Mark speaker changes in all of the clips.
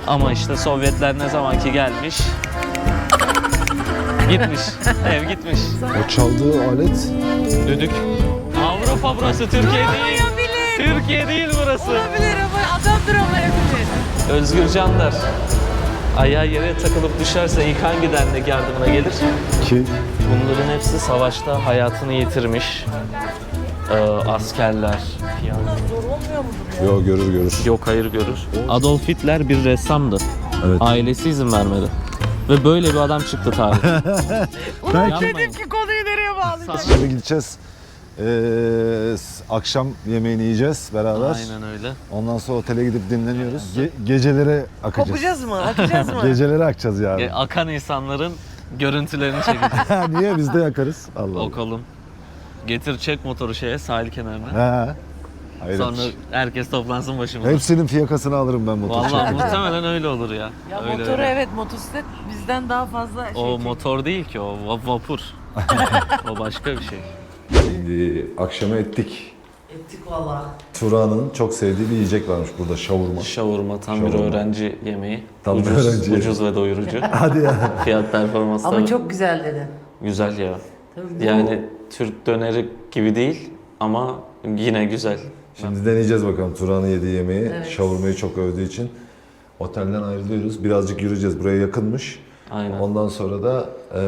Speaker 1: Ama işte Sovyetler ne zamanki gelmiş, gitmiş, ev gitmiş.
Speaker 2: O çaldığı alet
Speaker 1: Düdük. Avrupa burası, Türkiye değil. Türkiye değil burası.
Speaker 3: Olabilir ama adamdır ama hepimiz.
Speaker 1: Özgür Canlar. Ayağı yere takılıp düşerse ilk hangi dernek yardımına gelir?
Speaker 2: ki
Speaker 1: Bunların hepsi savaşta hayatını yitirmiş. Askerler.
Speaker 3: Zor olmuyor mu?
Speaker 2: yo görür.
Speaker 1: Yok, hayır, görür. Adolf Hitler bir ressamdı.
Speaker 2: Evet.
Speaker 1: Ailesi izin vermedi. Ve böyle bir adam çıktı tarihte.
Speaker 3: Ulan
Speaker 1: Yapmayın.
Speaker 3: dedim ki konuyu nereye bağlayacağım?
Speaker 2: Şimdi gideceğiz. Akşam yemeğini yiyeceğiz beraber.
Speaker 1: Aynen öyle.
Speaker 2: Ondan sonra otele gidip dinleniyoruz. Gecelere akacağız.
Speaker 3: Kopacağız mı? Akacağız mı?
Speaker 2: Gecelere akacağız yani.
Speaker 1: Akan insanların görüntülerini çekeceğiz.
Speaker 2: Niye biz de yakarız? Allah Allah.
Speaker 1: Okalım. Getir, çek motoru sahil kenarına.
Speaker 2: He. Hayır.
Speaker 1: Sonra herkes toplansın başımıza.
Speaker 2: Hepsinin fiyakasını alırım ben motor
Speaker 1: Vallahi
Speaker 2: çekerken.
Speaker 1: muhtemelen öyle olur ya.
Speaker 3: Ya
Speaker 1: Öyle
Speaker 3: motoru
Speaker 1: öyle.
Speaker 3: evet, motosiklet bizden daha fazla şey
Speaker 1: O
Speaker 3: çekiyor.
Speaker 1: motor değil ki, o vapur. O başka bir şey.
Speaker 2: Şimdi akşama ettik.
Speaker 3: Ettik valla.
Speaker 2: Turan'ın çok sevdiği bir yiyecek varmış burada, şavurma.
Speaker 1: Şavurma tam bir
Speaker 2: Şavurma.
Speaker 1: öğrenci yemeği.
Speaker 2: Tam bir öğrenci
Speaker 1: ucuz ve doyurucu.
Speaker 2: Hadi ya.
Speaker 1: Fiyat performans
Speaker 3: Ama
Speaker 1: tabii
Speaker 3: çok güzel dedi.
Speaker 1: güzel ya.
Speaker 3: Tabii bu-
Speaker 1: Yani Türk döneri gibi değil ama yine güzel.
Speaker 2: Şimdi deneyeceğiz bakalım Turan'ın yediği yemeği. Şavurmayı çok övdüğü için. Otelden ayrılıyoruz. Birazcık yürüyeceğiz. Buraya yakınmış.
Speaker 1: Aynen.
Speaker 2: Ondan sonra da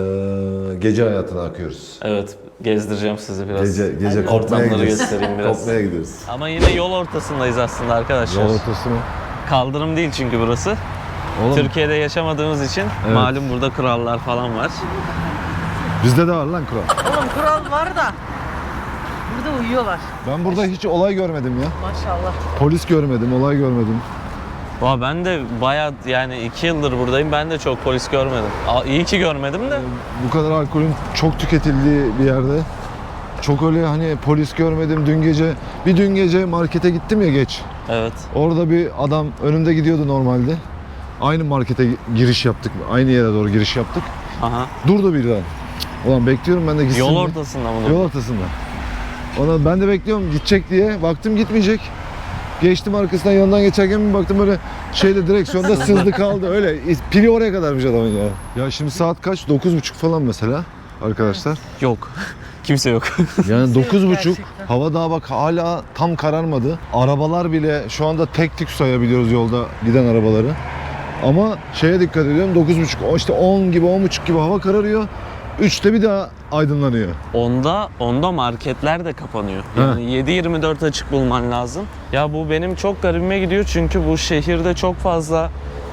Speaker 2: gece hayatına akıyoruz.
Speaker 1: Evet, gezdireceğim sizi biraz.
Speaker 2: Gece kopmaya
Speaker 1: Ortamları
Speaker 2: gidiyoruz.
Speaker 1: göstereyim biraz.
Speaker 2: Kopmaya gidiyoruz.
Speaker 1: Ama yine yol ortasındayız aslında arkadaşlar.
Speaker 2: Yol ortası mı?
Speaker 1: Kaldırım değil çünkü burası.
Speaker 2: Oğlum
Speaker 1: Türkiye'de yaşamadığımız için
Speaker 2: Evet.
Speaker 1: malum burada kurallar falan var.
Speaker 2: bizde de var lan kural.
Speaker 3: Oğlum kural var da burada uyuyorlar.
Speaker 2: Ben burada hiç olay görmedim ya.
Speaker 3: Maşallah.
Speaker 2: Polis görmedim, olay görmedim.
Speaker 1: Ben de bayağı yani 2 yıldır buradayım. Ben de çok polis görmedim. İyi ki görmedim de.
Speaker 2: Bu kadar alkolün çok tüketildiği bir yerde çok öyle hani polis görmedim. Dün gece markete gittim ya geç.
Speaker 1: Evet.
Speaker 2: Orada bir adam önümde gidiyordu normalde. Aynı markete giriş yaptık. Aynı yere doğru giriş yaptık.
Speaker 1: Aha.
Speaker 2: Durdu birden. Ulan bekliyorum ben de gitsin
Speaker 1: Yol
Speaker 2: diye.
Speaker 1: ortasında mı?
Speaker 2: Yol ortasında. Ona ben de bekliyorum gidecek diye. Baktım gitmeyecek. Geçtim arkasından, yanından geçerken bir baktım böyle direksiyonda sızdı kaldı. Öyle pili oraya kadarmış adamın ya. Ya şimdi saat kaç? 9.30 falan mesela arkadaşlar.
Speaker 1: Yok. Kimse yok.
Speaker 2: Yani 9.30,
Speaker 3: gerçekten.
Speaker 2: hava daha bak hala tam kararmadı. Arabalar bile şu anda tek tük sayabiliyoruz yolda giden arabaları. Ama dikkat ediyorum, 9.30 işte 10 gibi 10.30 gibi hava kararıyor. 3'te bir daha aydınlanıyor.
Speaker 1: Onda marketler de kapanıyor. Yani 7/24 açık bulman lazım. Ya bu benim çok garibime gidiyor çünkü bu şehirde çok fazla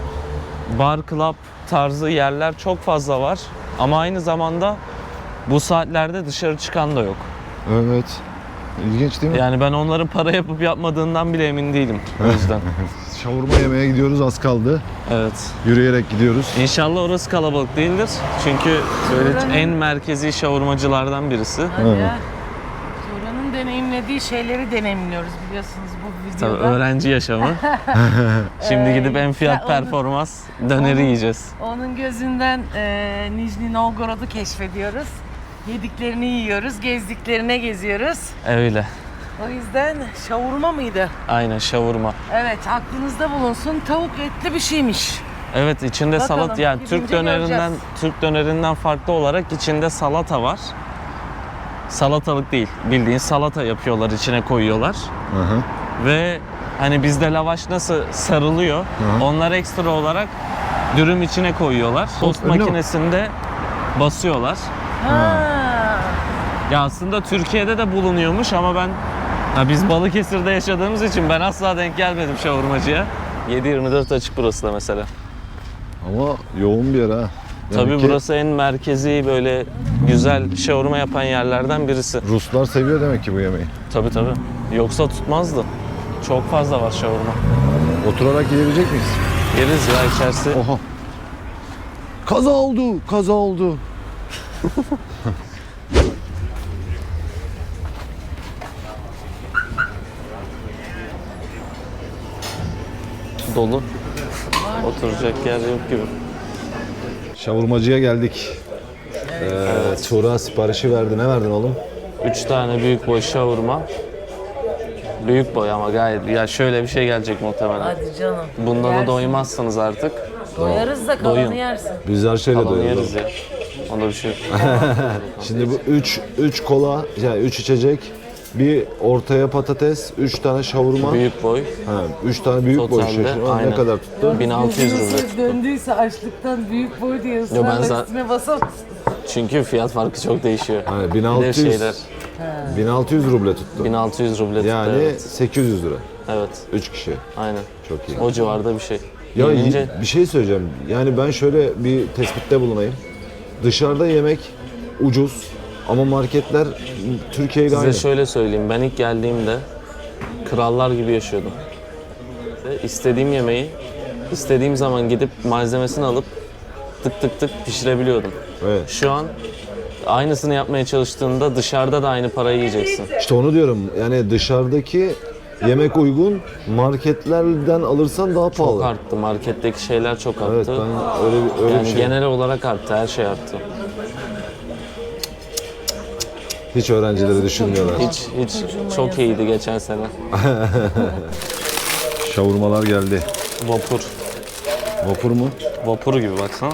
Speaker 1: bar, club tarzı yerler çok fazla var. Ama aynı zamanda bu saatlerde dışarı çıkan da yok.
Speaker 2: Evet. İlginç değil mi?
Speaker 1: Yani ben onların para yapıp yapmadığından bile emin değilim o yüzden.
Speaker 2: Şavurma yemeye gidiyoruz, az kaldı.
Speaker 1: Evet.
Speaker 2: Yürüyerek gidiyoruz.
Speaker 1: İnşallah orası kalabalık değildir. Çünkü böyle en merkezi şavurmacılardan birisi.
Speaker 3: Hadi
Speaker 2: Evet.
Speaker 3: ya. Turan'ın deneyimlediği şeyleri deneyimliyoruz biliyorsunuz bu
Speaker 1: Tabii
Speaker 3: videoda.
Speaker 1: öğrenci yaşamı. Şimdi gidip en fiyat
Speaker 3: onu-
Speaker 1: performans döneri yiyeceğiz.
Speaker 3: Onun gözünden Nijni Novgorod'u keşfediyoruz. Yediklerini yiyoruz, gezdiklerine geziyoruz.
Speaker 1: Öyle.
Speaker 3: O yüzden şavurma mıydı?
Speaker 1: Aynen şavurma.
Speaker 3: Evet, aklınızda bulunsun. Tavuk etli bir şeymiş.
Speaker 1: Evet, içinde
Speaker 3: Bakalım,
Speaker 1: salat, yani
Speaker 3: gidince göreceğiz.
Speaker 1: Türk dönerinden farklı olarak içinde salata var. Salatalık değil, bildiğin salata yapıyorlar, içine koyuyorlar.
Speaker 2: Hı hı.
Speaker 1: Ve hani bizde lavaş nasıl sarılıyor,
Speaker 2: Hı.
Speaker 1: onlar ekstra olarak dürüm içine koyuyorlar. Tost
Speaker 2: Öyle mi?
Speaker 1: makinesinde basıyorlar.
Speaker 3: Ha.
Speaker 1: Ya aslında Türkiye'de de bulunuyormuş ama biz Balıkesir'de yaşadığımız için ben asla denk gelmedim şavurmacıya. 7/24 açık burası da mesela.
Speaker 2: Ama yoğun bir yer ha. Demek
Speaker 1: Tabii
Speaker 2: ki
Speaker 1: burası en merkezi böyle güzel şavurma yapan yerlerden birisi.
Speaker 2: Ruslar seviyor demek ki bu yemeği.
Speaker 1: Tabii. Yoksa tutmazdı. Çok fazla var şavurma.
Speaker 2: Oturarak yiyebilecek miyiz?
Speaker 1: Yeriz ya içerisi.
Speaker 2: Oha. Kaza oldu.
Speaker 1: Dolu. Oturacak yer yok gibi.
Speaker 2: Şavurmacıya geldik. Tuğra siparişi verdi. Ne verdin oğlum?
Speaker 1: 3 tane büyük boy şavurma. Büyük boy ama gayet. Ya şöyle bir şey gelecek muhtemelen.
Speaker 3: Hadi canım.
Speaker 1: Bundan da
Speaker 3: Yersin.
Speaker 1: doymazsınız artık.
Speaker 3: Doyarız da kalanı
Speaker 1: Doyun.
Speaker 3: yersin.
Speaker 2: Biz her şeyle
Speaker 1: Kalanı
Speaker 2: doyuyoruz.
Speaker 1: yeriz ya. Onda bir şey yok.
Speaker 2: Şimdi bu 3 kola, yani 3 içecek, bir ortaya patates, 3 tane şavurma,
Speaker 1: Büyük boy.
Speaker 2: 3 tane büyük boy
Speaker 1: Totalde,
Speaker 2: şeşir. O
Speaker 1: aynen.
Speaker 2: ne kadar tuttu?
Speaker 1: 1600 ruble
Speaker 3: Gözünüz
Speaker 1: tuttu.
Speaker 3: döndüyse açlıktan büyük boy diye
Speaker 1: ben
Speaker 3: ısrarla üstüne basamazsın.
Speaker 1: Çünkü fiyat farkı çok değişiyor.
Speaker 2: Yani
Speaker 1: Bir de
Speaker 2: 1600,
Speaker 1: şeyler.
Speaker 2: 1600 ruble tuttu.
Speaker 1: 1600 ruble tuttu.
Speaker 2: Yani
Speaker 1: Evet.
Speaker 2: 800 lira.
Speaker 1: Evet.
Speaker 2: 3 kişi.
Speaker 1: Aynen.
Speaker 2: Çok iyi.
Speaker 1: O civarda bir şey.
Speaker 2: Ya
Speaker 1: Gelince
Speaker 2: bir şey söyleyeceğim. Yani ben şöyle bir tespitte bulunayım. Dışarıda yemek ucuz ama marketler Türkiye ile
Speaker 1: size
Speaker 2: aynı.
Speaker 1: şöyle söyleyeyim. Ben ilk geldiğimde krallar gibi yaşıyordum. Ve istediğim yemeği istediğim zaman gidip malzemesini alıp tık tık tık pişirebiliyordum.
Speaker 2: Evet.
Speaker 1: Şu an aynısını yapmaya çalıştığında dışarıda da aynı parayı yiyeceksin.
Speaker 2: İşte onu diyorum. Yani dışarıdaki yemek uygun, marketlerden alırsan daha
Speaker 1: Çok
Speaker 2: pahalı.
Speaker 1: arttı. Marketteki şeyler çok arttı.
Speaker 2: Evet, ben öyle
Speaker 1: yani
Speaker 2: bir şey.
Speaker 1: genel olarak arttı. Her şey arttı.
Speaker 2: Hiç öğrencileri düşünmüyorlar.
Speaker 1: Hiç çok iyiydi geçen sene.
Speaker 2: Şavurmalar geldi.
Speaker 1: Vapur.
Speaker 2: Vapur mu?
Speaker 1: Vapuru gibi baksana.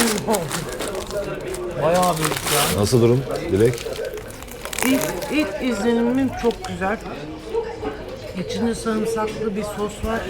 Speaker 3: Bayağı büyük ya.
Speaker 2: Nasıl durum? Dilek?
Speaker 3: İlk izlenimim çok güzel. İçinde sarımsaklı bir sos var.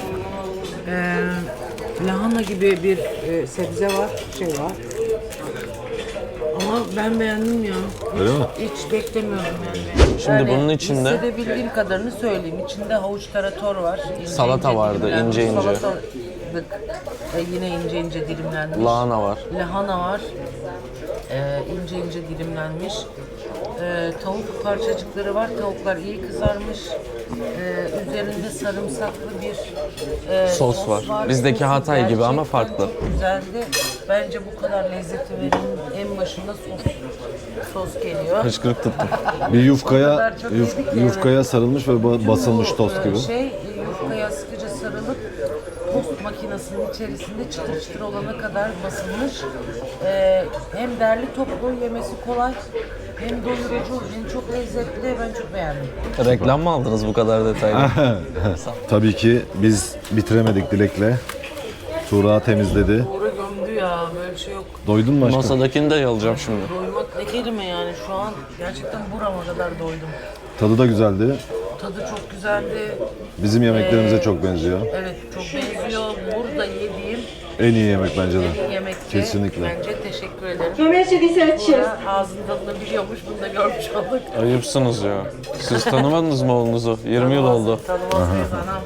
Speaker 3: Lahana gibi bir sebze var, şey var. Ama ben beğendim ya.
Speaker 2: Öyle mi?
Speaker 3: Hiç beklemiyordum yani.
Speaker 1: Şimdi bunun içinde-
Speaker 3: hissedebildiğim kadarını söyleyeyim. İçinde havuç tarator var. İnce
Speaker 1: Salata
Speaker 3: ince
Speaker 1: vardı,
Speaker 3: dilimlenmiş
Speaker 1: ince ince.
Speaker 3: salatalık. Yine ince ince dilimlenmiş.
Speaker 1: Lahana var.
Speaker 3: Lahana var. İnce ince dilimlenmiş. Tavuk parçacıkları var. Tavuklar iyi kızarmış. Üzerinde sarımsaklı bir
Speaker 1: Sos var. Bizdeki
Speaker 3: Sosu
Speaker 1: Hatay gibi ama
Speaker 3: gerçekten
Speaker 1: farklı.
Speaker 3: Çok güzeldi. Bence bu kadar lezzeti verin en başında sos geliyor.
Speaker 1: Hıçkırık tuttum.
Speaker 2: Bir yufkaya
Speaker 3: kadar çok yedik ki,
Speaker 2: yufkaya sarılmış ve basılmış
Speaker 3: Bu,
Speaker 2: tost gibi.
Speaker 3: Yufkaya sıkıca sarılıp tost makinesinin içerisinde çıtır çıtır olana kadar basılmış. Hem derli toplu, yemesi kolay, hem doyurucu, hem çok lezzetli. Ben çok beğendim.
Speaker 1: Reklam mı aldınız bu kadar detaylı?
Speaker 2: Tabii ki biz bitiremedik Dilek'le. Tuğra temizledi.
Speaker 3: Uğra gömdü ya, böyle bir şey yok.
Speaker 2: Doydun mu aşkım?
Speaker 1: Masadakini de yalacağım şimdi.
Speaker 3: Doymak ne kelime yani, şu an gerçekten burama kadar doydum.
Speaker 2: Tadı da güzeldi.
Speaker 3: Tadı çok güzeldi.
Speaker 2: Bizim yemeklerimize çok benziyor.
Speaker 3: Evet, çok benziyor. Burada yediğim
Speaker 2: En iyi yemek bence de.
Speaker 3: yemekte.
Speaker 2: Kesinlikle.
Speaker 3: Bence teşekkür ederim.
Speaker 4: 418.
Speaker 3: Uğra ağzının tadını biliyormuş, bunu da görmüş olduk.
Speaker 1: Ayıpsınız ya. Siz tanımadınız mı oğlunuzu? 20 yıl oldu.
Speaker 3: Tanımaz mıyız anam?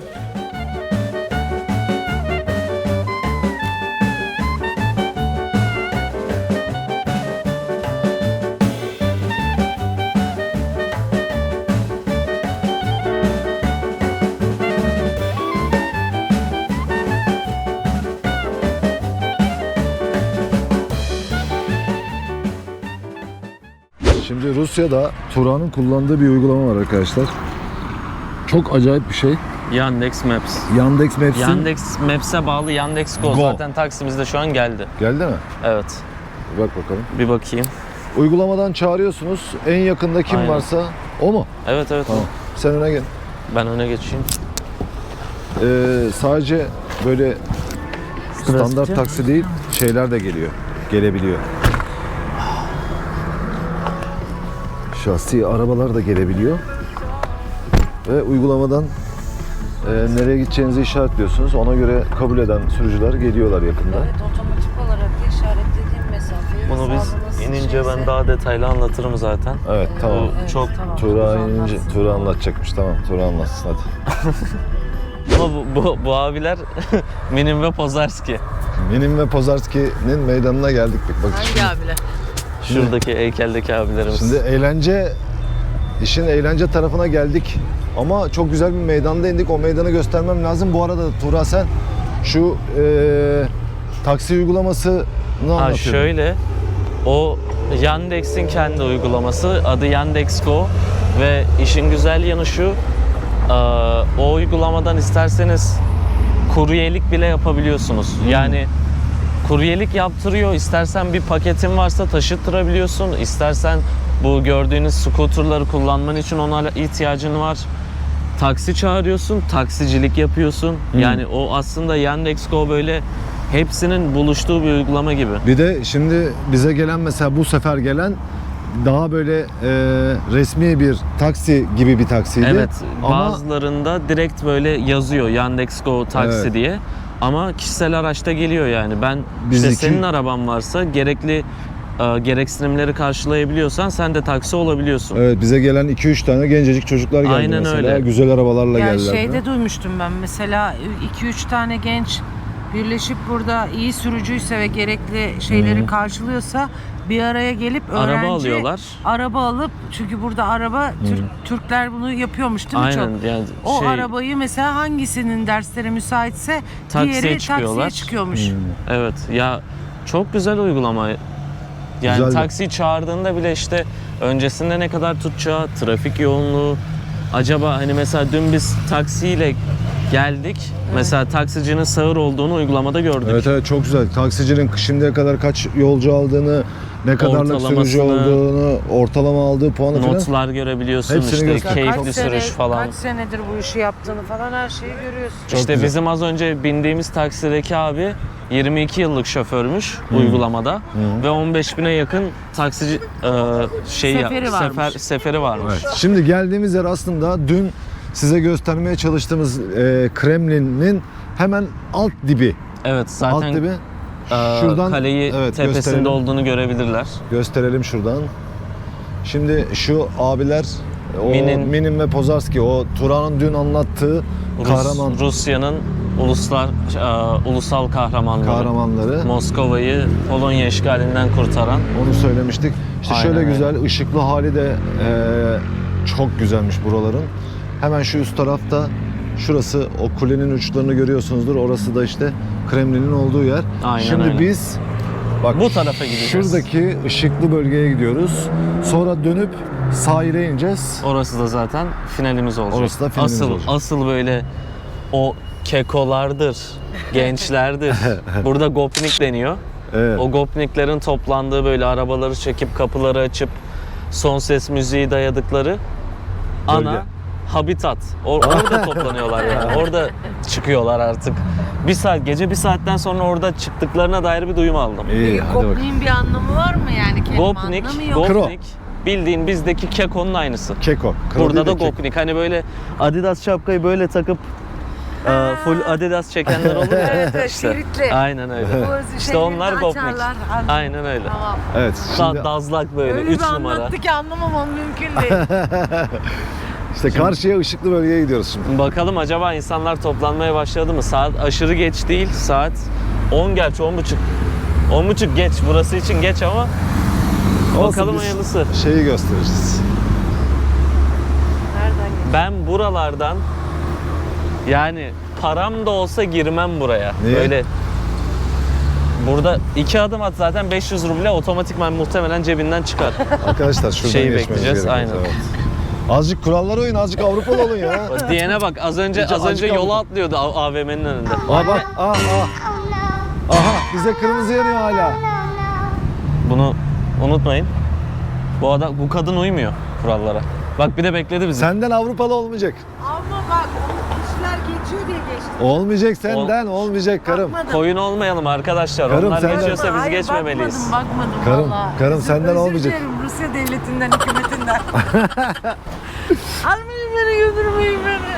Speaker 2: Şimdi Rusya'da Tuğra'nın kullandığı bir uygulama var arkadaşlar. Çok acayip bir şey.
Speaker 1: Yandex Maps.
Speaker 2: Yandex Maps'in
Speaker 1: Yandex Maps'e bağlı Yandex Go.
Speaker 2: Go.
Speaker 1: Zaten Taksim'izde şu an geldi.
Speaker 2: geldi mi?
Speaker 1: Evet.
Speaker 2: Bir bak bakalım.
Speaker 1: Bir bakayım.
Speaker 2: Uygulamadan çağırıyorsunuz. En yakında kim
Speaker 1: Aynen.
Speaker 2: varsa o mu?
Speaker 1: Evet evet.
Speaker 2: Tamam. Sen öne gel.
Speaker 1: Ben öne geçeyim.
Speaker 2: Sadece böyle standart
Speaker 1: Klasik.
Speaker 2: taksi değil, şeyler de gelebiliyor. Şahsi arabalar da gelebiliyor. Ve uygulamadan nereye gideceğinizi işaretliyorsunuz. Ona göre kabul eden sürücüler geliyorlar yakında.
Speaker 3: Evet, otomatik olarak da işaretlediğim mesafeyi
Speaker 1: Bunu biz
Speaker 3: sağlaması
Speaker 1: inince ben
Speaker 3: şeyse-
Speaker 1: daha detaylı anlatırım zaten.
Speaker 2: Evet, tamam.
Speaker 3: Evet,
Speaker 1: Çok
Speaker 3: tamam.
Speaker 2: Tuğra
Speaker 3: Anlatsın.
Speaker 2: inince, Tuğra anlatacakmış. Tamam, Tuğra anlatsın hadi.
Speaker 1: Ama bu abiler Minim ve Pozarski.
Speaker 2: Minim ve Pozarski'nin meydanına geldik. Bak
Speaker 3: Hangi abiler?
Speaker 1: Şuradaki heykeldeki abilerimiz.
Speaker 2: şimdi işin eğlence tarafına geldik. Ama çok güzel bir meydanda indik. O meydanı göstermem lazım. Bu arada Tuğra sen şu taksi uygulamasını anlatıyordun.
Speaker 1: Şöyle, o Yandex'in kendi uygulaması, adı Yandex Go ve işin güzel yanı şu, o uygulamadan isterseniz kuryelik bile yapabiliyorsunuz. Yani kuryelik yaptırıyor, istersen bir paketin varsa taşıttırabiliyorsun, istersen bu gördüğünüz scooterları kullanman için ona ihtiyacın var. taksi çağırıyorsun, taksicilik yapıyorsun. Yani o aslında Yandex.Go böyle hepsinin buluştuğu bir uygulama gibi.
Speaker 2: Bir de şimdi bize gelen, mesela bu sefer gelen daha böyle resmi bir taksi gibi bir taksiydi.
Speaker 1: Evet,
Speaker 2: Ama
Speaker 1: bazılarında direkt böyle yazıyor Yandex.Go taksi
Speaker 2: Evet.
Speaker 1: diye. Ama kişisel araçta geliyor yani. Ben
Speaker 2: Biz
Speaker 1: işte
Speaker 2: iki-
Speaker 1: senin araban varsa gerekli gereksinimleri karşılayabiliyorsan sen de taksi olabiliyorsun.
Speaker 2: evet, bize gelen 2-3 tane gencecik çocuklar geldi
Speaker 1: Aynen
Speaker 2: mesela.
Speaker 1: öyle.
Speaker 2: Güzel arabalarla
Speaker 3: Yani
Speaker 2: geldiler.
Speaker 3: şeyde duymuştum ben mesela 2-3 tane genç birleşip burada iyi sürücüyse ve gerekli şeyleri karşılıyorsa bir araya gelip öğrenci
Speaker 1: Araba alıyorlar.
Speaker 3: araba alıp, çünkü burada araba Türkler bunu yapıyormuş değil mi
Speaker 1: Aynen
Speaker 3: çok?
Speaker 1: yani
Speaker 3: O arabayı mesela hangisinin derslere müsaitse
Speaker 1: Taksiye
Speaker 3: diğeri
Speaker 1: çıkıyorlar.
Speaker 3: taksiye çıkıyormuş.
Speaker 1: Evet ya, çok güzel uygulama. Yani
Speaker 2: Güzeldi.
Speaker 1: taksi çağırdığında bile işte öncesinde ne kadar tutacağı, trafik yoğunluğu. Acaba hani mesela dün biz taksiyle geldik. Mesela taksicinin sağır olduğunu uygulamada gördük.
Speaker 2: Evet evet, çok güzel. Taksicinin şimdiye kadar kaç yolcu aldığını, ne kadarlık sürücü
Speaker 1: Ortalamasını,
Speaker 2: olduğunu, ortalama aldığı puanı falan.
Speaker 1: Notlar görebiliyorsun,
Speaker 2: Hepsini
Speaker 1: işte
Speaker 2: göster.
Speaker 1: keyifli sürüş falan.
Speaker 3: Kaç senedir bu işi yaptığını falan her şeyi görüyorsun.
Speaker 2: Çok
Speaker 1: İşte
Speaker 2: güzel.
Speaker 1: bizim az önce bindiğimiz taksideki abi 22 yıllık şoförmüş uygulamada ve 15.000'e yakın taksici seferi varmış.
Speaker 2: Evet. Şimdi geldiğimiz yer aslında dün size göstermeye çalıştığımız Kremlin'in hemen alt dibi.
Speaker 1: Evet, zaten
Speaker 2: Alt dibi.
Speaker 1: şuradan kaleyi tepesinde
Speaker 2: gösterelim.
Speaker 1: olduğunu görebilirler.
Speaker 2: Gösterelim şuradan. Şimdi şu abiler, o Minin ve Pozarski, o Turan'ın dün anlattığı kahraman
Speaker 1: Rusya'nın ulusal kahramanları. Moskova'yı Polonya işgalinden kurtaran.
Speaker 2: Onu söylemiştik. İşte
Speaker 1: Aynen
Speaker 2: şöyle
Speaker 1: öyle.
Speaker 2: güzel, ışıklı hali de çok güzelmiş buraların. Hemen şu üst tarafta, şurası, o kulenin uçlarını görüyorsunuzdur. Orası da işte Kremlin'in olduğu yer.
Speaker 1: Aynen
Speaker 2: Şimdi
Speaker 1: öyle.
Speaker 2: biz bak
Speaker 1: Bu tarafa gideceğiz.
Speaker 2: Şuradaki ışıklı bölgeye gidiyoruz. Sonra dönüp sahile ineceğiz.
Speaker 1: Orası da zaten finalimiz olacak.
Speaker 2: Orası da finalimiz olacak.
Speaker 1: Asıl böyle o kekolardır, gençlerdir. Burada gopnik deniyor.
Speaker 2: Evet.
Speaker 1: O gopniklerin toplandığı, böyle arabaları çekip kapıları açıp son ses müziği dayadıkları ana
Speaker 2: Bölge.
Speaker 1: habitat. Orada toplanıyorlar yani. Orada çıkıyorlar artık. Gece bir saatten sonra orada çıktıklarına dair bir duyum aldım.
Speaker 2: İyi, hadi bakalım.
Speaker 3: Gopnik'in bir anlamı var mı yani? Kelime
Speaker 1: Gopnik,
Speaker 3: anlamı yok.
Speaker 1: gopnik bildiğin bizdeki kekonun aynısı.
Speaker 2: Keko. Kro
Speaker 1: Burada da
Speaker 2: değil de keko.
Speaker 1: gopnik. Hani böyle Adidas şapkayı böyle takıp full Adidas çekenler olur ya.
Speaker 3: Evet, evet,
Speaker 1: İşte.
Speaker 3: şeritli.
Speaker 1: Aynen öyle.
Speaker 3: Bu
Speaker 1: İşte onlar
Speaker 3: şeyleri
Speaker 1: gopnik.
Speaker 3: açarlar.
Speaker 1: Aynen öyle.
Speaker 3: Tamam.
Speaker 2: Evet. Şimdi
Speaker 1: Dazlak böyle
Speaker 3: Öyle
Speaker 1: 3
Speaker 3: bir
Speaker 1: numara.
Speaker 3: anlattı ki anlamamam mümkün değil.
Speaker 2: işte karşıya ışıklı bölgeye gidiyoruz şimdi.
Speaker 1: Bakalım acaba insanlar toplanmaya başladı mı? Saat aşırı geç değil. Saat 10 gerçi 10.30. 10.30 geç. Burası için geç ama
Speaker 2: Olsun,
Speaker 1: bakalım
Speaker 2: biz
Speaker 1: hayırlısı.
Speaker 2: Şeyi gösteririz.
Speaker 3: Nereden geçti?
Speaker 1: Ben buralardan, yani param da olsa girmem buraya.
Speaker 2: Niye?
Speaker 1: Böyle burada 2 adım at zaten 500 ruble otomatikman muhtemelen cebinden çıkar.
Speaker 2: Arkadaşlar şuradan
Speaker 1: Şeyi
Speaker 2: geçmemiz
Speaker 1: bekleyeceğiz,
Speaker 2: gerekiyor.
Speaker 1: aynen.
Speaker 2: Evet. Azıcık kurallara uyun, azıcık Avrupalı olun ya.
Speaker 1: Diyene bak, az önce
Speaker 2: Acık
Speaker 1: yola
Speaker 2: aldım.
Speaker 1: atlıyordu AVM'nin önünde.
Speaker 2: Aa bak, Aha, bize kırmızı yanıyor hala.
Speaker 1: Bunu unutmayın. Bu kadın uymuyor kurallara. Bak bir de bekledi bizi.
Speaker 2: Senden Avrupalı olmayacak.
Speaker 3: Ama bak kişiler geçiyor diye geçti.
Speaker 2: Olmayacak senden, olmayacak karım.
Speaker 3: Bakmadım.
Speaker 1: Koyun olmayalım arkadaşlar.
Speaker 2: Karım,
Speaker 1: Onlar
Speaker 2: sen de-
Speaker 1: geçiyorsa biz
Speaker 3: Hayır,
Speaker 1: geçmemeliyiz.
Speaker 3: Bakmadım
Speaker 2: Karım,
Speaker 3: valla.
Speaker 2: karım, senden
Speaker 3: Özür
Speaker 2: olmayacak.
Speaker 3: dilerim Rusya devletinden, hükümetinden. Almayın beni, götürmeyin beni.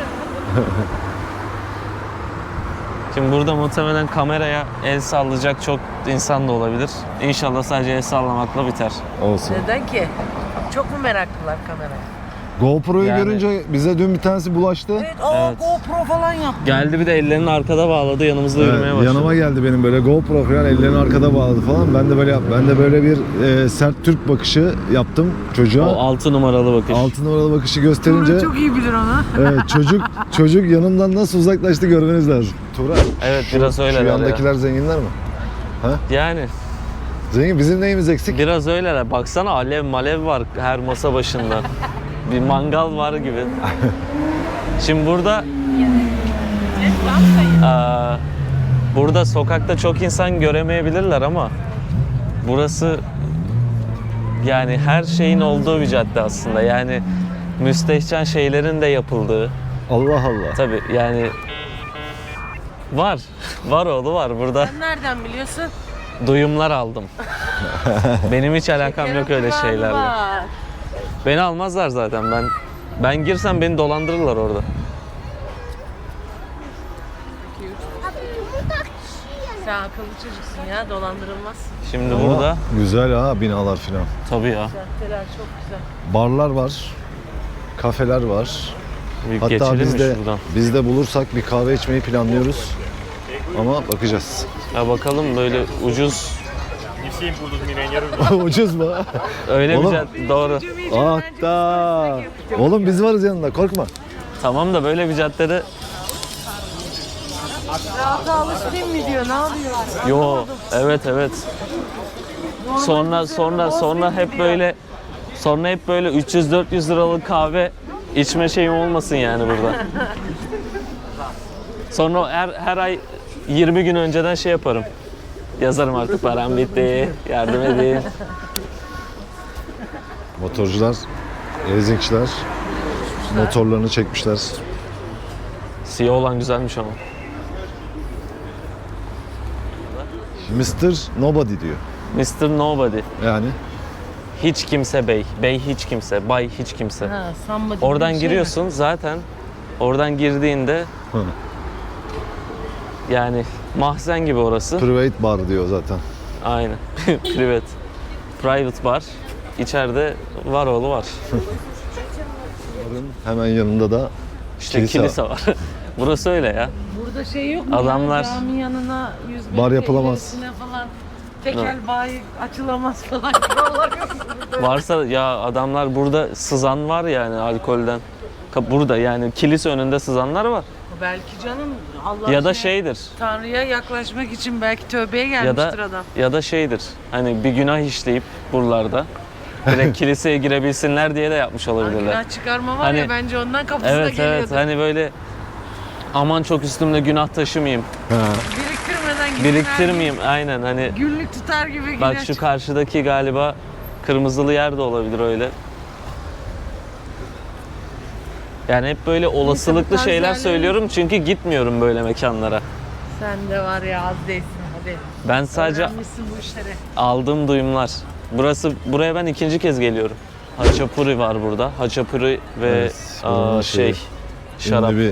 Speaker 1: Şimdi burada muhtemelen kameraya el sallayacak çok insan da olabilir. İnşallah sadece el sallamakla biter.
Speaker 2: Olsun.
Speaker 3: Neden ki? Çok mu meraklılar kameraya?
Speaker 2: GoPro'yu
Speaker 1: Yani-
Speaker 2: görünce bize dün bir tanesi bulaştı.
Speaker 3: Evet,
Speaker 1: Evet.
Speaker 3: GoPro falan yaptı.
Speaker 1: Geldi bir de ellerini arkada bağladı, yanımızda
Speaker 2: Evet,
Speaker 1: yürümeye başladı.
Speaker 2: yanıma geldi benim böyle GoPro falan, ellerini arkada bağladı falan. Ben de böyle ben de böyle bir sert Türk bakışı yaptım çocuğa.
Speaker 1: O 6 numaralı bakış.
Speaker 2: 6 numaralı bakışı gösterince
Speaker 3: Tuğra çok iyi bilir onu.
Speaker 2: evet, çocuk yanımdan nasıl uzaklaştı görmeniz lazım. Tuğra.
Speaker 1: Evet, biraz
Speaker 2: Şu
Speaker 1: öyleler ya.
Speaker 2: yandakiler zenginler mi?
Speaker 1: Yani
Speaker 2: Zengin, bizim neyimiz eksik?
Speaker 1: biraz öyleler. Baksana alev malev var her masa başında. Bir mangal var gibi. Şimdi burada sokakta çok insan göremeyebilirler ama burası yani her şeyin olduğu bir cadde aslında. Yani müstehcen şeylerin de yapıldığı,
Speaker 2: Allah Allah.
Speaker 1: Tabii yani var. Var oğlu var. Burada
Speaker 3: Sen nereden biliyorsun?
Speaker 1: duyumlar aldım. Benim hiç alakam yok öyle şeylerle.
Speaker 3: Var.
Speaker 1: Beni almazlar zaten. Ben girsem beni dolandırırlar orada.
Speaker 3: Sen akıllı çocuksun ya, dolandırılmazsın.
Speaker 1: Şimdi
Speaker 2: Ama
Speaker 1: burada
Speaker 2: güzel ha, binalar filan.
Speaker 1: tabii ya.
Speaker 3: Caddeler çok güzel.
Speaker 2: Barlar var. Kafeler var.
Speaker 1: Bir
Speaker 2: Hatta
Speaker 1: geçelim mi şuradan?
Speaker 2: biz de bulursak bir kahve içmeyi planlıyoruz. Ama bakacağız.
Speaker 1: Ya bakalım böyle ucuz.
Speaker 2: Ucuz mu?
Speaker 1: Öyle
Speaker 2: Oğlum.
Speaker 1: bir cadde. Doğru.
Speaker 2: Hatta. Oğlum biz varız yanında, korkma.
Speaker 1: Tamam da böyle bir caddede
Speaker 3: Rahata alıştın mı diyor, ne yapıyor?
Speaker 1: yo evet. Sonra hep böyle 300-400 liralık kahve içme şeyim olmasın yani burada. Sonra her ay 20 gün önceden şey yaparım. Yazarım artık param bitti, yardım edin.
Speaker 2: Motorcular, leasingçiler motorlarını çekmişler.
Speaker 1: Siyah olan güzelmiş ama.
Speaker 2: Mr. Nobody diyor.
Speaker 1: Mr. Nobody.
Speaker 2: Yani
Speaker 1: Hiç kimse bey. Bey hiç kimse. Bay hiç kimse.
Speaker 3: Ha, somebody
Speaker 1: Oradan
Speaker 3: bir şey mi?
Speaker 1: giriyorsun zaten. Oradan girdiğinde
Speaker 2: Hı.
Speaker 1: yani mahzen gibi orası.
Speaker 2: private bar diyor zaten.
Speaker 1: Aynen. Private bar. İçeride var oğlu var.
Speaker 2: Barın hemen yanında da
Speaker 1: İşte kilise var. Burası öyle ya.
Speaker 3: Burada şey yok mu
Speaker 1: Adamlar-
Speaker 3: ya? Cami yanına 100 metre
Speaker 2: Bar yapılamaz.
Speaker 3: ilerisine falan tekel bayi açılamaz falan kurallar yok mu burada?
Speaker 1: Varsa ya adamlar burada sızan var yani alkolden. Burada yani kilise önünde sızanlar var.
Speaker 3: Belki canım Allah
Speaker 1: Ya da şeydir.
Speaker 3: Tanrı'ya yaklaşmak için belki tövbeye
Speaker 1: Ya
Speaker 3: gelmiştir
Speaker 1: da
Speaker 3: adam.
Speaker 1: ya da şeydir. Hani bir günah işleyip buralarda direkt kiliseye girebilsinler diye de yapmış olabilirler.
Speaker 3: Günah çıkarma var
Speaker 1: Hani-
Speaker 3: ya, bence ondan kapısına
Speaker 1: Evet
Speaker 3: geliyordu.
Speaker 1: hani böyle aman çok üstümde günah taşımayayım.
Speaker 2: Ha.
Speaker 3: Biriktirmeden gidin,
Speaker 1: Biriktirmeyeyim aynen hani
Speaker 3: her gün Günlük tutar gibi
Speaker 1: bak
Speaker 3: günah
Speaker 1: şu karşıdaki galiba kırmızılı yer de olabilir öyle. Yani hep böyle olasılıklı
Speaker 3: tarz
Speaker 1: şeyler
Speaker 3: yerleri-
Speaker 1: söylüyorum çünkü gitmiyorum böyle mekanlara.
Speaker 3: Sen de var ya, az değilsin hadi.
Speaker 1: Ben sadece
Speaker 3: Öğrenmişsin bu işleri.
Speaker 1: aldığım duyumlar. Buraya ben ikinci kez geliyorum. Haçapuri var burada. Haçapuri ve
Speaker 2: Evet, onun şeyi,
Speaker 1: şarap.
Speaker 2: Ünlü bir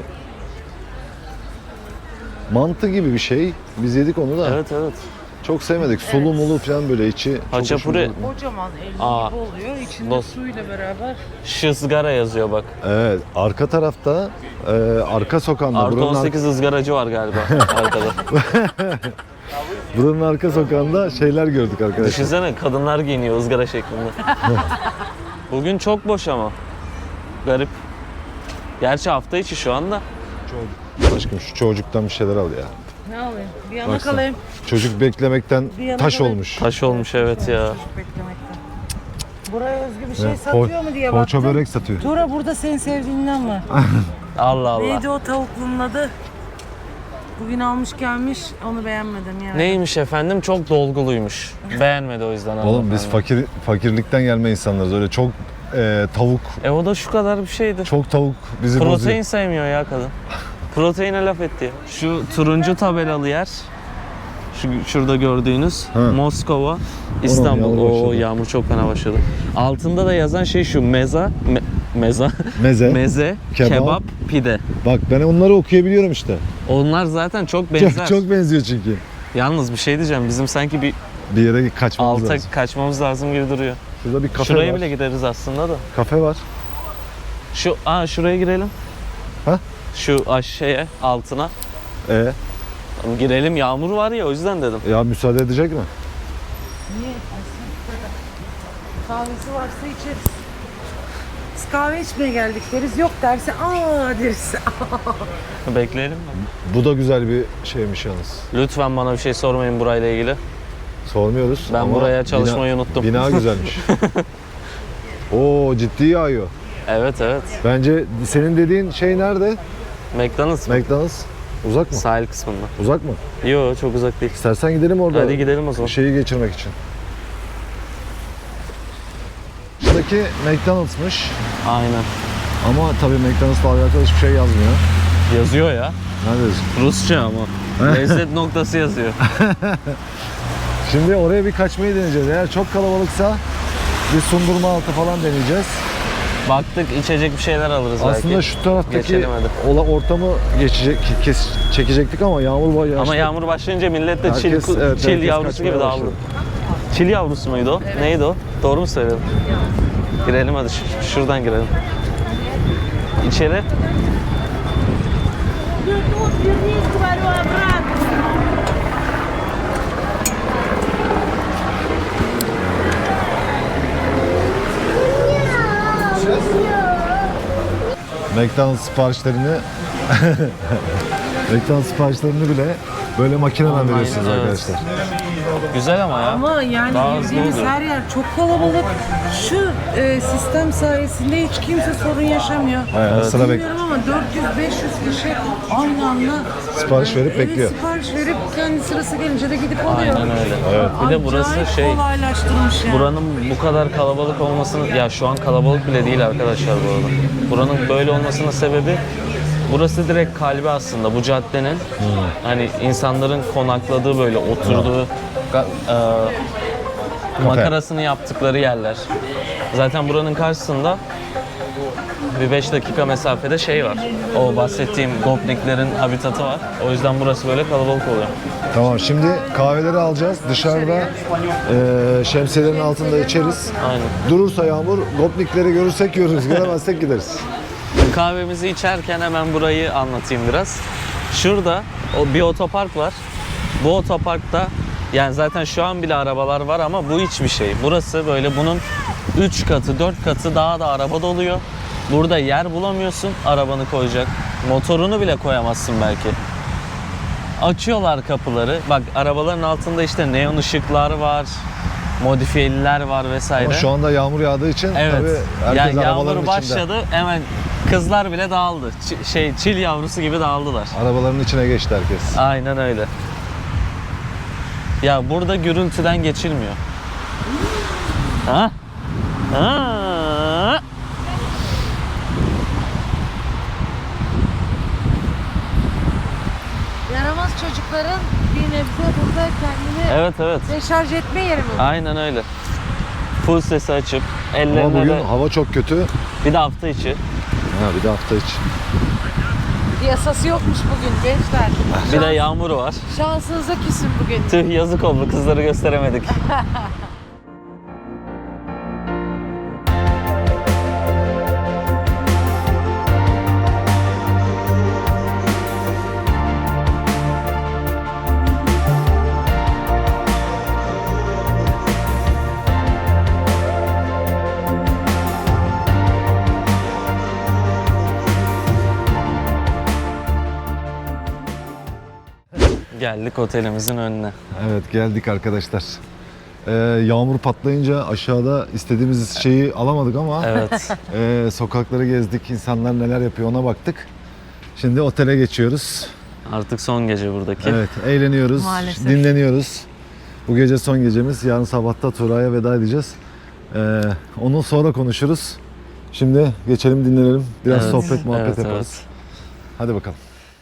Speaker 2: mantı gibi bir şey. Biz yedik onu da.
Speaker 1: Evet.
Speaker 2: Çok sevmedik. Sulu mulu falan böyle içi. çok
Speaker 1: Haçapuri-
Speaker 2: hoşumuza gitti.
Speaker 3: Kocaman elli
Speaker 1: Aa.
Speaker 3: gibi oluyor. İçinde
Speaker 1: Dost.
Speaker 3: suyla beraber.
Speaker 1: Şızgara yazıyor bak.
Speaker 2: Evet. Arka tarafta arka sokağında.
Speaker 1: Artı
Speaker 2: Buranın,
Speaker 1: 18 ızgaracı var galiba arkada.
Speaker 2: buranın arka sokağında şeyler gördük arkadaşlar.
Speaker 1: Düşünsene kadınlar giyiniyor ızgara şeklinde. Bugün çok boş ama. Garip. Gerçi hafta içi şu anda.
Speaker 2: Aşkım şu çocuktan bir şeyler al ya.
Speaker 3: Ne alayım? Bir yana
Speaker 2: Baksana.
Speaker 3: kalayım.
Speaker 2: Çocuk beklemekten
Speaker 3: Bir yana
Speaker 2: taş
Speaker 3: kalayım.
Speaker 2: olmuş.
Speaker 1: Taş olmuş evet ya.
Speaker 3: Çocuk beklemekten. Buraya özgü bir şey
Speaker 2: Evet,
Speaker 3: satıyor mu diye
Speaker 2: Poğaça
Speaker 3: baktım.
Speaker 2: börek satıyor.
Speaker 3: Tura burada senin sevdiğinden var.
Speaker 1: Allah Allah.
Speaker 3: Neydi o tavuklunun adı? Bugün almış gelmiş, onu beğenmedim yani.
Speaker 1: Neymiş efendim? Çok dolguluymuş. Beğenmedi o yüzden.
Speaker 2: Oğlum biz
Speaker 1: hanımefendi.
Speaker 2: fakirlikten gelme insanlarız. Öyle çok tavuk,
Speaker 1: O da şu kadar bir şeydi.
Speaker 2: çok tavuk bizi
Speaker 1: Protein
Speaker 2: bozuyor.
Speaker 1: sevmiyor ya kadın. Proteine laf etti. Şu turuncu tabelalı yer. Şurada gördüğünüz
Speaker 2: Ha.
Speaker 1: Moskova, İstanbul.
Speaker 2: yağmur
Speaker 1: Oo
Speaker 2: başladı.
Speaker 1: yağmur çok fena başladı. Altında da yazan şey şu meza, meza,
Speaker 2: Meze.
Speaker 1: meze,
Speaker 2: Kebap.
Speaker 1: kebap, pide.
Speaker 2: Bak ben onları okuyabiliyorum işte.
Speaker 1: Onlar zaten çok benzer.
Speaker 2: Çok benziyor çünkü.
Speaker 1: Yalnız bir şey diyeceğim. Bizim sanki bir
Speaker 2: Bir yere kaçmamız
Speaker 1: alta
Speaker 2: lazım.
Speaker 1: kaçmamız lazım gibi duruyor.
Speaker 2: Şurada bir kafe
Speaker 1: Şuraya
Speaker 2: var.
Speaker 1: bile gideriz aslında da.
Speaker 2: Kafe var.
Speaker 1: Şuraya girelim.
Speaker 2: Ha?
Speaker 1: Şu şeye altına. Girelim, yağmur var ya o yüzden dedim.
Speaker 2: Ya müsaade edecek mi?
Speaker 3: Niye? Kahvesi varsa içeriz. Biz kahve içmeye geldik deriz. Yok derse aa deriz.
Speaker 1: Bekleyelim mi?
Speaker 2: Bu da güzel bir şeymiş yalnız.
Speaker 1: Lütfen bana bir şey sormayın burayla ilgili.
Speaker 2: Sormuyoruz.
Speaker 1: Ben
Speaker 2: ama
Speaker 1: buraya çalışmayı unuttum.
Speaker 2: Bina güzelmiş. Oo ciddi yağıyor.
Speaker 1: Evet.
Speaker 2: Bence senin dediğin şey nerede?
Speaker 1: McDonald's mı?
Speaker 2: McDonald's. Uzak mı?
Speaker 1: Sahil kısmında.
Speaker 2: Uzak mı?
Speaker 1: Yo çok uzak değil.
Speaker 2: İstersen gidelim orada.
Speaker 1: Hadi gidelim o zaman.
Speaker 2: Şeyi geçirmek için. Şuradaki McDonald'smış.
Speaker 1: Aynen.
Speaker 2: Ama tabii McDonald's'la alakalı hiçbir şey yazmıyor.
Speaker 1: Yazıyor ya.
Speaker 2: Nerede yazıyor?
Speaker 1: Rusça ama. Lezzet noktası yazıyor.
Speaker 2: Şimdi oraya bir kaçmayı deneyeceğiz. Eğer çok kalabalıksa bir sundurma altı falan deneyeceğiz.
Speaker 1: Baktık içecek bir şeyler alırız belki.
Speaker 2: Aslında şu taraftaki
Speaker 1: Geçelim hadi.
Speaker 2: ortamı çekecektik ama yağmur bayağı.
Speaker 1: Ama yağmur başlayınca millet de çil,
Speaker 2: Herkes- evet,
Speaker 1: çil
Speaker 2: herkes
Speaker 1: yavrusu
Speaker 2: kaçmaya
Speaker 1: gibi dağıldı.
Speaker 2: başladı.
Speaker 1: Çil yavrusu muydu o?
Speaker 3: Evet.
Speaker 1: Neydi o? Doğru mu söyledim? Girelim hadi şuradan girelim. İçeri.
Speaker 2: McDonald's siparişlerini McDonald's siparişlerini bile böyle makineden
Speaker 1: Online,
Speaker 2: veriyorsunuz
Speaker 1: evet.
Speaker 2: arkadaşlar.
Speaker 1: Güzel ama ya.
Speaker 3: Ama yani
Speaker 1: Daha hızlı
Speaker 3: girdiğimiz
Speaker 1: oluyor.
Speaker 3: her yer çok kalabalık. Şu sistem sayesinde hiç kimse sorun yaşamıyor.
Speaker 2: Aynen, sıra
Speaker 3: Bilmiyorum ama 400-500 kişi aynı anda
Speaker 2: Sipariş verip
Speaker 3: evet,
Speaker 2: bekliyor.
Speaker 3: sipariş verip kendi sırası gelince de gidip alıyor.
Speaker 1: Aynen öyle. Bir de burası
Speaker 3: Acayip
Speaker 1: şey,
Speaker 3: kolaylaştırmış yani.
Speaker 1: buranın bu kadar kalabalık olmasının, ya şu an kalabalık bile değil arkadaşlar bu arada. Buranın böyle olmasının sebebi, burası direkt kalbi aslında bu caddenin. Hani insanların konakladığı, böyle oturduğu, makarasını yaptıkları yerler. Zaten buranın karşısında bir 5 dakika mesafede şey var. O bahsettiğim gopniklerin habitatı var. O yüzden burası böyle kalabalık oluyor.
Speaker 2: Tamam, şimdi kahveleri alacağız. Dışarıda şemsiyelerin altında içeriz.
Speaker 1: Aynen.
Speaker 2: Durursa yağmur, gopnikleri görürsek görürüz, göremezsek gideriz.
Speaker 1: Kahvemizi içerken hemen burayı anlatayım biraz. Şurada bir otopark var. Bu otoparkta yani zaten şu an bile arabalar var ama bu hiçbir şey. Burası böyle bunun 3 katı, 4 katı daha da araba doluyor. Burada yer bulamıyorsun arabanı koyacak. Motorunu bile koyamazsın belki. Açıyorlar kapıları. Bak arabaların altında işte neon ışıklar var. Modifiyeliler var vesaire.
Speaker 2: Ama şu anda yağmur yağdığı için
Speaker 1: Evet.
Speaker 2: tabii herkes
Speaker 1: Yani
Speaker 2: arabaların
Speaker 1: yağmur
Speaker 2: içinde.
Speaker 1: başladı. Hemen kızlar bile dağıldı. Çil yavrusu gibi dağıldılar.
Speaker 2: Arabaların içine geçti herkes.
Speaker 1: Aynen öyle. Ya burada gürültüden geçilmiyor. Ha? Ha?
Speaker 3: Yaramaz çocukların bir nebze burada kendini
Speaker 1: Evet.
Speaker 3: deşarj etme yeri mi?
Speaker 1: Aynen öyle. Full sesi açıp
Speaker 2: Ama
Speaker 1: ellerine
Speaker 2: bugün
Speaker 1: de
Speaker 2: hava çok kötü.
Speaker 1: bir de hafta içi.
Speaker 2: Ha, bir de hafta içi.
Speaker 3: Yasası yokmuş bugün gençler.
Speaker 1: Bir de yağmuru var.
Speaker 3: Şansınıza küsün bugün.
Speaker 1: Tüh yazık oldu, kızları gösteremedik. Geldik otelimizin önüne.
Speaker 2: Evet, geldik arkadaşlar. Yağmur patlayınca aşağıda istediğimiz şeyi alamadık ama
Speaker 1: Evet.
Speaker 2: sokakları gezdik, insanlar neler yapıyor ona baktık. Şimdi otele geçiyoruz.
Speaker 1: Artık son gece buradaki.
Speaker 2: Evet, eğleniyoruz,
Speaker 3: Maalesef.
Speaker 2: dinleniyoruz. Bu gece son gecemiz. Yarın sabahta Turay'a veda edeceğiz. Onu sonra konuşuruz. Şimdi geçelim, dinlenelim. Biraz
Speaker 1: Evet,
Speaker 2: sohbet, muhabbet
Speaker 1: evet,
Speaker 2: yaparız. Hadi bakalım.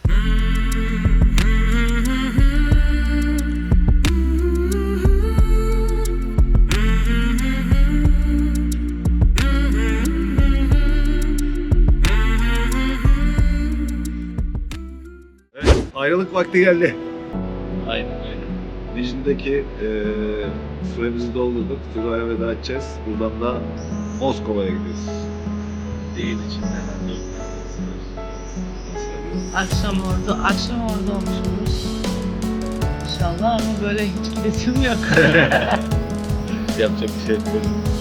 Speaker 2: Ayrılık vakti geldi.
Speaker 1: Aynen öyle.
Speaker 2: Dijin'deki süremizi doldurduk. Turay'a veda edeceğiz. Buradan da Moskova'ya gidiyoruz.
Speaker 1: Değil içinde.
Speaker 3: Akşam orada olmuşuz. İnşallah ama böyle hiç gidesim yok.
Speaker 2: Yapacak bir şey yok.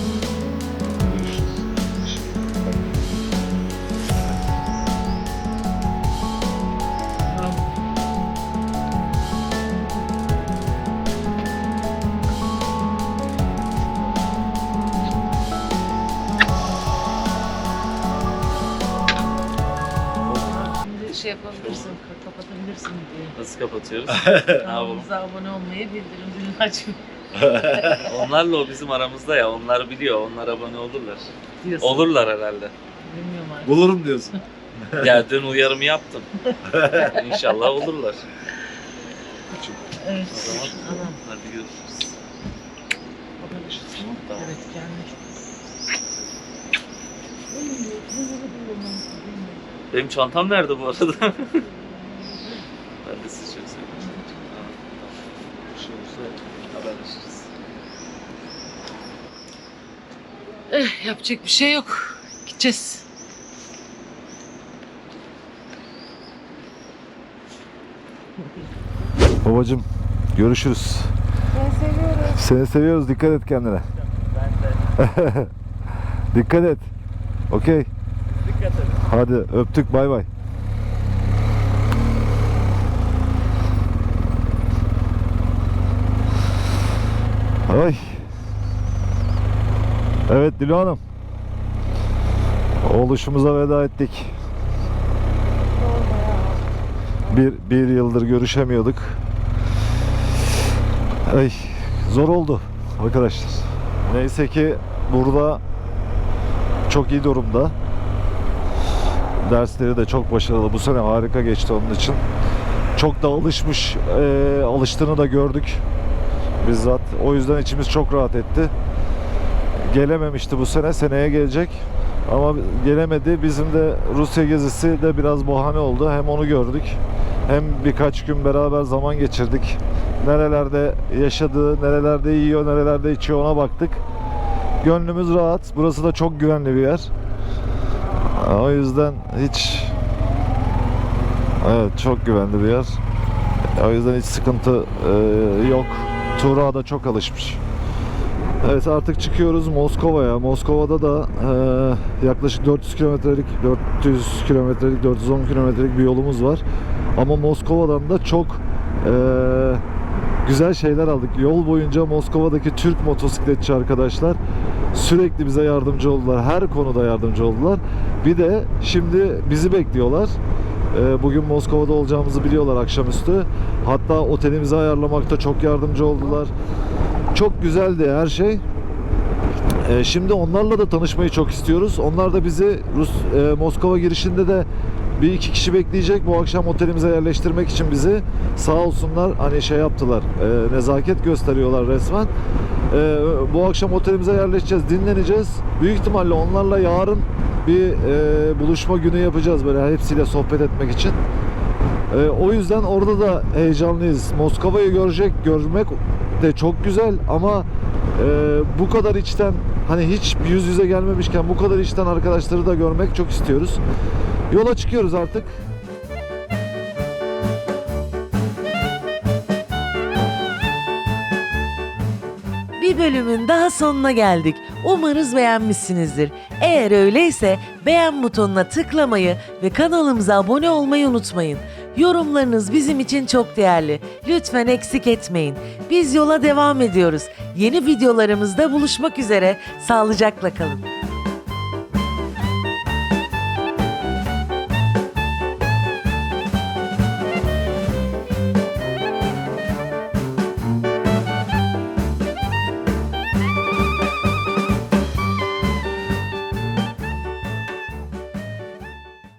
Speaker 3: Şimdi şey yapabilirsin, kapatabilirsin diye.
Speaker 1: Nasıl kapatıyoruz?
Speaker 3: Kanalımıza abone olmayı, bildirim zilini açmayı
Speaker 1: Onlarla o bizim aramızda ya. Onlar biliyor. Onlar abone olurlar.
Speaker 3: diyorsun.
Speaker 1: Olurlar herhalde.
Speaker 3: Bilmiyorum artık.
Speaker 2: Bulurum diyorsun.
Speaker 1: Ya dün uyarımı yaptım. İnşallah olurlar.
Speaker 3: Evet.
Speaker 1: O zaman
Speaker 3: Anam.
Speaker 1: hadi görüşürüz.
Speaker 3: Tamam. Evet kendine çok.
Speaker 1: Benim çantam nerede bu arada? Ben de sizi çok seviyorum. Bir şey olursa haberleşiriz.
Speaker 3: Yapacak bir şey yok. Gideceğiz.
Speaker 2: Babacım görüşürüz. Seni seviyoruz. Dikkat et kendine.
Speaker 1: Ben de.
Speaker 2: Dikkat et. Okey.
Speaker 1: Dikkat edin.
Speaker 2: Hadi öptük. Bay bay. Ay. Evet Dilo Hanım. Oluşumuza veda ettik. Bir yıldır görüşemiyorduk. Ay, zor oldu arkadaşlar. Neyse ki burada çok iyi durumda. Dersleri de çok başarılı. Bu sene harika geçti onun için. Çok da alıştığını da gördük bizzat. O yüzden içimiz çok rahat etti. Gelememişti bu sene. Seneye gelecek. Ama gelemedi. Bizim de Rusya gezisi de biraz bahane oldu. Hem onu gördük. Hem birkaç gün beraber zaman geçirdik. Nerelerde yaşadığı, nerelerde yiyor, nerelerde içiyor ona baktık. Gönlümüz rahat. Burası da çok güvenli bir yer. O yüzden hiç... Evet, çok güvenli bir yer. O yüzden hiç sıkıntı yok. Tuğra da çok alışmış. Evet, artık çıkıyoruz Moskova'ya. Moskova'da da yaklaşık 400 kilometrelik, 410 kilometrelik bir yolumuz var. Ama Moskova'dan da çok güzel şeyler aldık. Yol boyunca Moskova'daki Türk motosikletçi arkadaşlar sürekli bize yardımcı oldular. Her konuda yardımcı oldular. Bir de şimdi bizi bekliyorlar. Bugün Moskova'da olacağımızı biliyorlar akşamüstü. Hatta otelimizi ayarlamakta çok yardımcı oldular. Çok güzeldi her şey. Şimdi onlarla da tanışmayı çok istiyoruz. Onlar da bizi Moskova girişinde de bir iki kişi bekleyecek. Bu akşam otelimize yerleştirmek için bizi sağ olsunlar hani şey yaptılar. Nezaket gösteriyorlar resmen. Bu akşam otelimize yerleşeceğiz, dinleneceğiz. Büyük ihtimalle onlarla yarın bir buluşma günü yapacağız böyle hepsiyle sohbet etmek için. O yüzden orada da heyecanlıyız. Moskova'yı görmek de çok güzel ama bu kadar içten hani hiç yüz yüze gelmemişken bu kadar içten arkadaşları da görmek çok istiyoruz. Yola çıkıyoruz artık.
Speaker 4: Bir bölümün daha sonuna geldik. Umarız beğenmişsinizdir. Eğer öyleyse beğen butonuna tıklamayı ve kanalımıza abone olmayı unutmayın. Yorumlarınız bizim için çok değerli. Lütfen eksik etmeyin. Biz yola devam ediyoruz. Yeni videolarımızda buluşmak üzere. Sağlıcakla kalın.